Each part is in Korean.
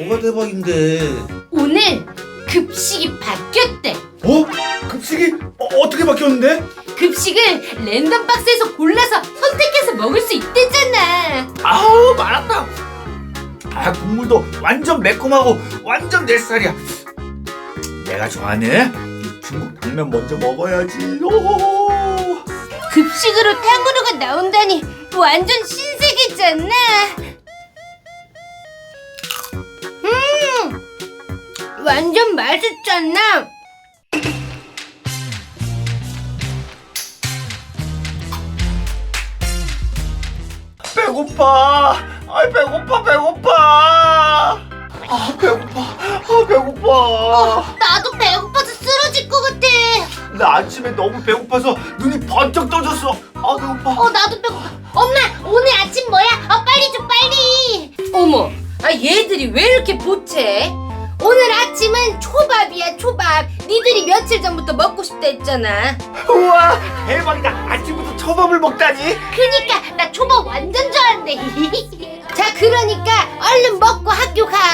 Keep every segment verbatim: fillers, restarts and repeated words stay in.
뭐가 대박인데? 오늘 급식이 바뀌었대. 어? 급식이 어, 어떻게 바뀌었는데? 급식을 랜덤 박스에서 골라서 선택해서 먹을 수 있대잖아. 아우 말았다. 아 국물도 완전 매콤하고 완전 내 스타일이야. 내가 좋아하는 이 중국 당면 먼저 먹어야지. 오. 급식으로 탕후루가 나온다니 완전 신세계잖아. 음, 완전 맛있잖아. 배고파. 아 배고파 배고파. 아 배고파. 아 배고파. 어, 나도 배고파서 쓰러질 것 같아. 나 아침에 너무 배고파서 눈이 번쩍 떠졌어. 아 배고파. 어, 나도 배고파. 엄마, 오늘 아침 뭐야? 어, 빨리 줘, 빨리. 어머, 아 얘들이 왜 이렇게 보채? 오늘 아침은 초밥이야, 초밥. 니들이 며칠 전부터 먹고 싶다 했잖아. 우와 대박이다. 아침부터 초밥을 먹다니. 그니까 나 초밥 완전 좋아한대. 자, 그러니까 얼른 먹고 학교 가.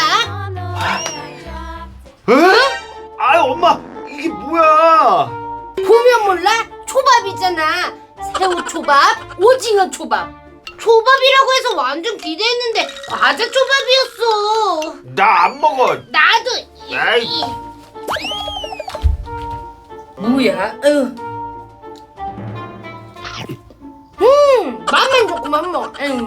에? 아 엄마 이게 뭐야? 보면 몰라? 초밥이잖아. 새우 초밥, 오징어 초밥. 초밥이라고 해서 완전 기대했는데 과자 초밥이었어. 나 안 먹어. 나도. 에이. 뭐야? 으. 음, 맛만 좋구만 뭐. 음.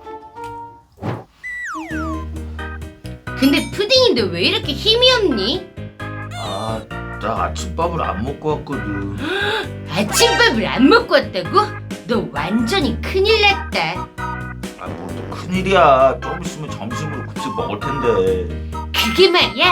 근데 푸딩인데 왜 이렇게 힘이 없니? 아, 나 아침밥을 안 먹고 왔거든. 아침밥을 안 먹고 왔다고? 너 완전히 큰일 났다. 아, 뭐 또 큰일이야. 좀 있으면 점심으로 급식 먹을 텐데. 그게 말이야.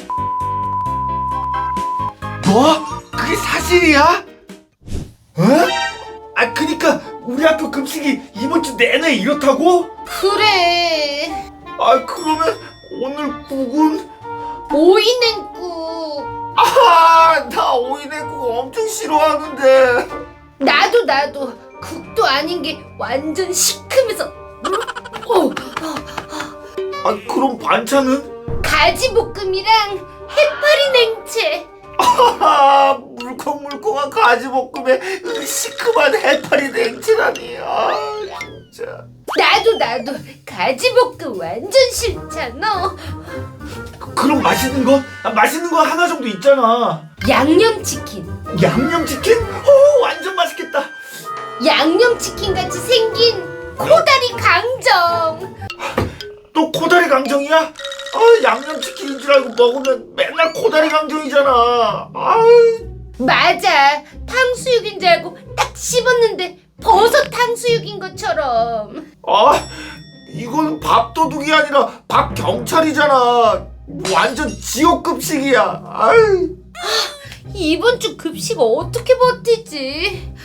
뭐? 그게 사실이야? 어? 아, 그니까 우리 학교 급식이 이번 주 내내 이렇다고? 그래. 아, 그러면 오늘 국은? 오이 냉국. 아, 나 오이 냉국 엄청 싫어하는데. 나도 나도 국도 아닌 게 완전 시큼해서. 어, 아, 그럼 반찬은? 가지볶음이랑 해파리 냉채. 아, 물컹물컹한 가지볶음에 시큼한 해파리 냉채라니. 아, 진짜. 나도 나도 가지볶음 완전 싫잖아. 그, 그럼 맛있는 거? 아, 맛있는 거 하나 정도 있잖아. 양념치킨. 양념치킨? 오, 완전 맛있겠다. 양념치킨 같이 생긴 코다리 강정. 또 코다리 강정이야? 아, 양념치킨인 줄 알고 먹으면 맨날 코다리 강정이잖아. 아유. 맞아. 탕수육인 줄 알고 딱 씹었는데 버섯 탕수육인 것처럼. 아, 이건 밥도둑이 아니라 밥경찰이잖아. 완전 지옥급식이야. 아유. 이번 주 급식 어떻게 버티지?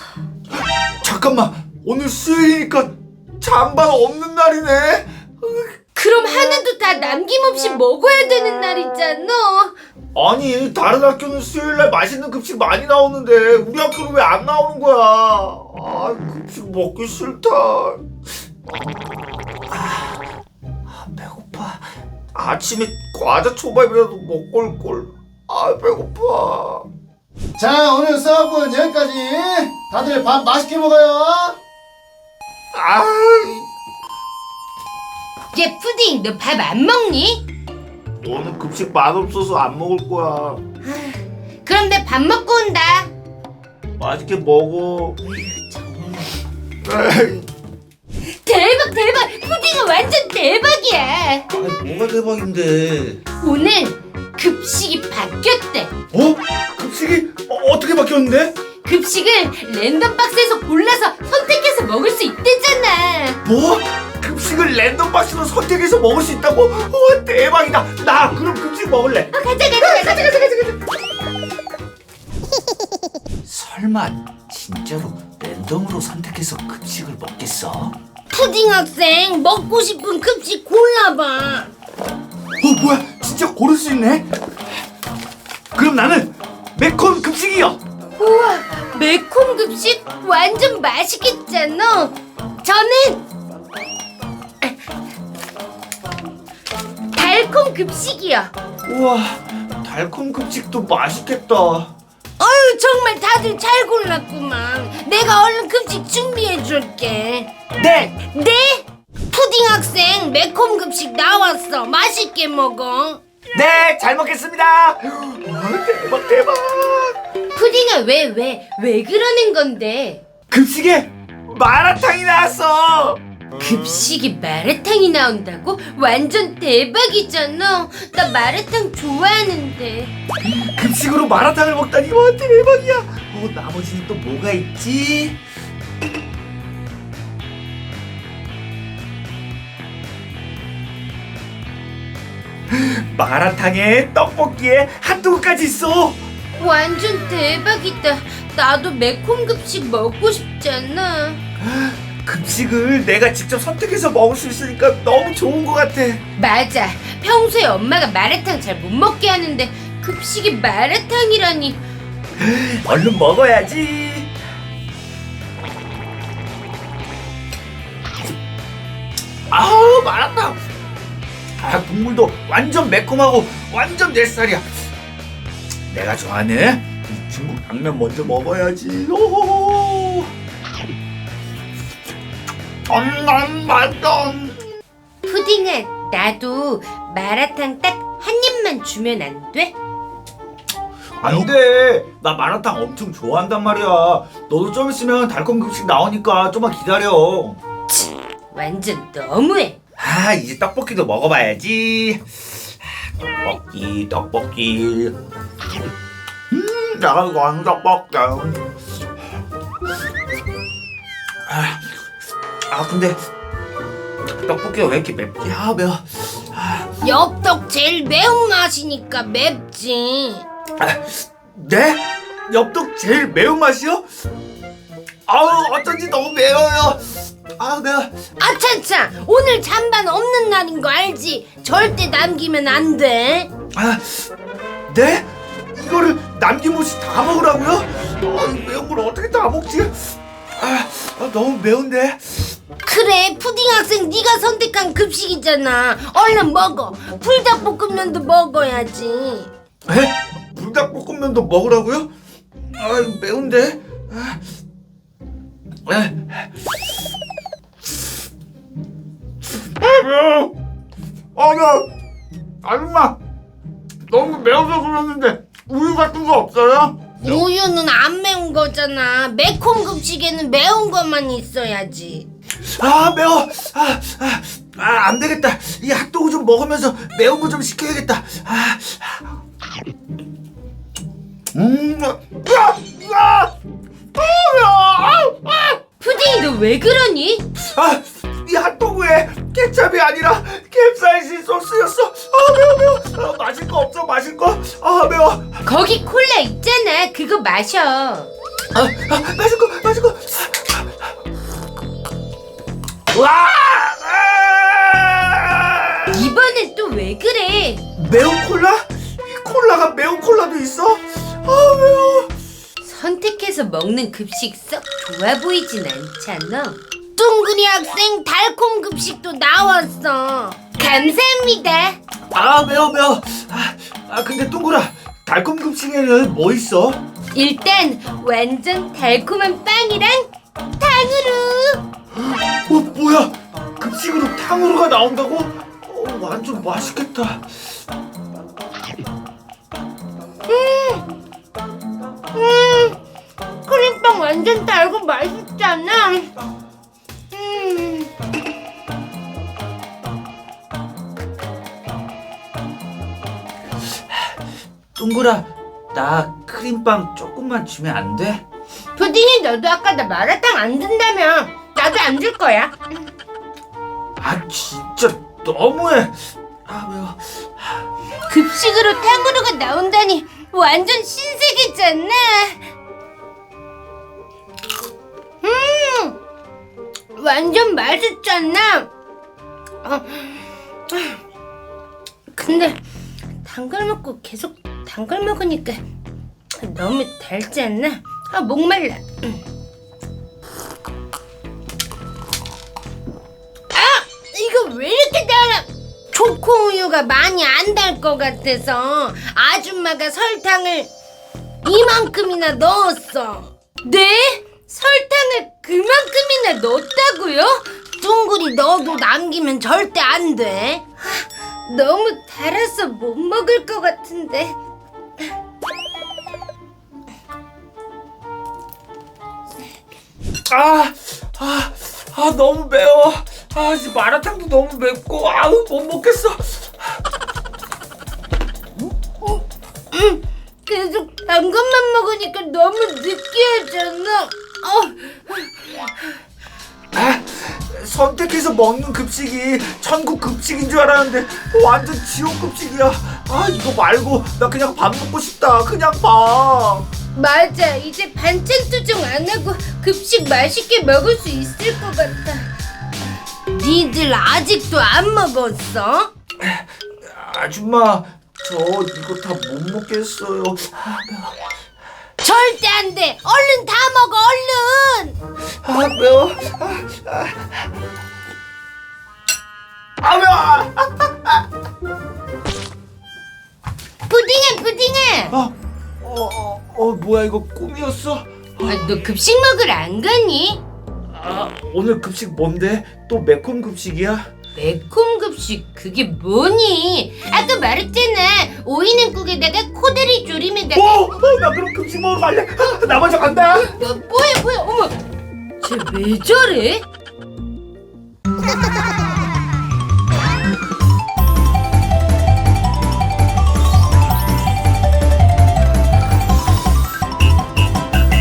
잠깐만, 오늘 수요일이니까 잔반 없는 날이네. 그럼 하나도 다 남김없이 먹어야 되는 날이잖아. 아니, 다른 학교는 수요일날 맛있는 급식 많이 나오는데 우리 학교는 왜 안 나오는 거야? 아, 급식 먹기 싫다. 아, 아, 배고파. 아침에 과자 초밥이라도 먹고 올걸. 아, 배고파. 자, 오늘 수업은 여기까지. 다들 밥 맛있게 먹어요. 아, 얘 푸딩, 너 밥 안 먹니? 오늘 급식 맛없어서 안 먹을 거야. 그럼 내 밥 먹고 온다. 맛있게 먹어. 에이. 대박 대박. 푸딩은 완전 대박이야. 아, 뭐가 대박인데? 오늘 급식이 바뀌었대. 어? 급식이 어, 어떻게 바뀌었는데? 급식을 랜덤 박스에서 골라서 선택해서 먹을 수 있대잖아. 뭐? 급식을 랜덤 박스로 선택해서 먹을 수 있다고? 우와, 대박이다. 나 그럼 급식 먹을래. 어, 가자 가자 가자 가자 가자 가자. 설마 진짜로 랜덤으로 선택해서 급식을 먹겠어? 푸딩 학생, 먹고 싶은 급식 골라봐. 어, 뭐야? 진짜 고를 수 있네? 그럼 나는 매콤 급식이요. 우와, 매콤 급식 완전 맛있겠잖아. 저는 달콤 급식이야. 우와, 달콤 급식도 맛있겠다. 어휴, 정말 다들 잘 골랐구만. 내가 얼른 급식 준비해줄게. 네. 네? 푸딩 학생 매콤 급식 나왔어. 맛있게 먹어. 네, 잘 먹겠습니다. 우와, 대박 대박. 푸딩아, 왜 왜 왜 그러는 건데? 급식에 마라탕이 나왔어. 급식에 마라탕이 나온다고? 완전 대박이잖아. 나 마라탕 좋아하는데. 급식으로 마라탕을 먹다니 와 대박이야. 어, 나머지는 또 뭐가 있지? 마라탕에 떡볶이에 핫도그까지 있어. 완전 대박이다. 나도 매콤 급식 먹고 싶잖아. 급식을 내가 직접 선택해서 먹을 수 있으니까 너무 좋은 것 같아. 맞아. 평소에 엄마가 마라탕 잘 못 먹게 하는데 급식에 마라탕이라니. 얼른 먹어야지. 아우, 마라탕. 아, 국물도 완전 매콤하고 완전 내 스타일이야. 내가 좋아하는 이 중국 당면 먼저 먹어야지. 오호호. 엄청 맛있어. 푸딩아, 나도 마라탕 딱 한 입만 주면 안 돼? 안 돼. 나 마라탕 엄청 좋아한단 말이야. 너도 좀 있으면 달콤 급식 나오니까 좀만 기다려. 완전 너무해. 아, 이제 떡볶이도 먹어봐야지. 떡볶이, 떡볶이. 음, 내가 좋아하는 떡볶이. 아, 아 근데 떡볶이가 왜 이렇게 맵지? 아, 매워. 아, 엽떡 제일 매운맛이니까 맵지. 아, 네? 엽떡 제일 매운맛이요? 아우, 어쩐지 너무 매워요. 아, 매워. 아차차, 오늘 잔반 없는 날인 거 알지? 절대 남기면 안 돼. 아, 네? 이거를 남김없이 다 먹으라고요? 아, 이 매운 걸 어떻게 다 먹지? 아, 아, 너무 매운데? 그래, 푸딩 학생 네가 선택한 급식이잖아. 얼른 먹어. 불닭볶음면도 먹어야지. 에? 불닭볶음면도 먹으라고요? 아, 이거 매운데? 아, 에. 아, 매워. 아, 매워. 아줌마, 너무 매워서 그러는데 우유 같은 거 없어요? 우유는 안 매운 거잖아. 매콤 급식에는 매운 것만 있어야지. 아, 매워. 아, 아, 아, 안 되겠다. 이 핫도그 좀 먹으면서 매운 거 좀 시켜야겠다. 아, 음, 아, 아, 아, 아, 아, 푸딩이 너 왜 그러니? 아, 이 핫도그에 케찹이 아니라 캡사이신 소스였어. 아, 매워, 매워. 아, 마실 거 없어, 마실 거. 아, 매워. 거기 콜라 있잖아. 그거 마셔. 아, 아, 마실 거, 마실 거. 와! 아! 이번엔 또 왜 그래? 매운 콜라? 이 콜라가 매운 콜라도 있어? 아, 매워. 선택해서 먹는 급식 썩 좋아 보이진 않잖아. 뚱그리 학생 달콤 급식도 나왔어. 감사합니다. 아, 매워, 매워. 아, 아 근데 뚱그라, 달콤 급식에는 뭐 있어? 일단 완전 달콤한 빵이랑 탕후루. 어, 뭐야? 급식으로 탕후루가 나온다고? 어, 완전 맛있겠다. 음, 크림빵 완전 달고 맛있잖아. 음. 뚱그라, 나 크림빵 조금만 주면 안 돼? 푸딩이 너도 아까 나 마라탕 안 준다며. 나도 안 줄 거야. 아, 진짜 너무해. 아, 매워. 급식으로 탕후루가 나온다니 완전 신세계잖아. 음, 완전 맛있잖아. 어, 근데 단 걸 먹고 계속 단 걸 먹으니까 너무 달지 않나? 아, 목말라. 아, 이거 왜 이렇게 달아? 초코우유가 많이 안 달 것 같아서 아줌마가 설탕을 이만큼이나 넣었어. 네? 설탕을 그만큼이나 넣었다고요? 둥글이 넣어도 남기면 절대 안 돼. 하, 너무 달아서 못 먹을 것 같은데. 아, 아, 아 너무 매워. 아, 이제 마라탕도 너무 맵고 아우 못 먹겠어. 음, 계속 단 것만 먹으니까 너무 느끼하잖아. 어. 아, 선택해서 먹는 급식이 천국 급식인 줄 알았는데 완전 지옥 급식이야. 아, 이거 말고 나 그냥 밥 먹고 싶다. 그냥 밥. 맞아, 이제 반찬 투정 안 하고 급식 맛있게 먹을 수 있을 것 같아. 니들 아직도 안 먹었어? 아줌마, 저 이거 다 못 먹겠어요. 아, 매워. 절대 안 돼. 얼른 다 먹어, 얼른. 아, 매워. 아, 아. 아, 매워. 푸딩해, 푸딩해. 어, 어, 어, 어, 뭐야 이거 꿈이었어? 아, 너 급식 먹으러 안 가니? 아, 오늘 급식 뭔데? 또 매콤 급식이야? 매콤 급식 그게 뭐니? 아까 말했잖아. 오이냉국에다가 코다리 조림에다가. 어, 어, 나 그럼 급식 먹으러 갈래. 아, 나 먼저 간다. 뭐, 뭐야 뭐야 어머 쟤 왜 저래?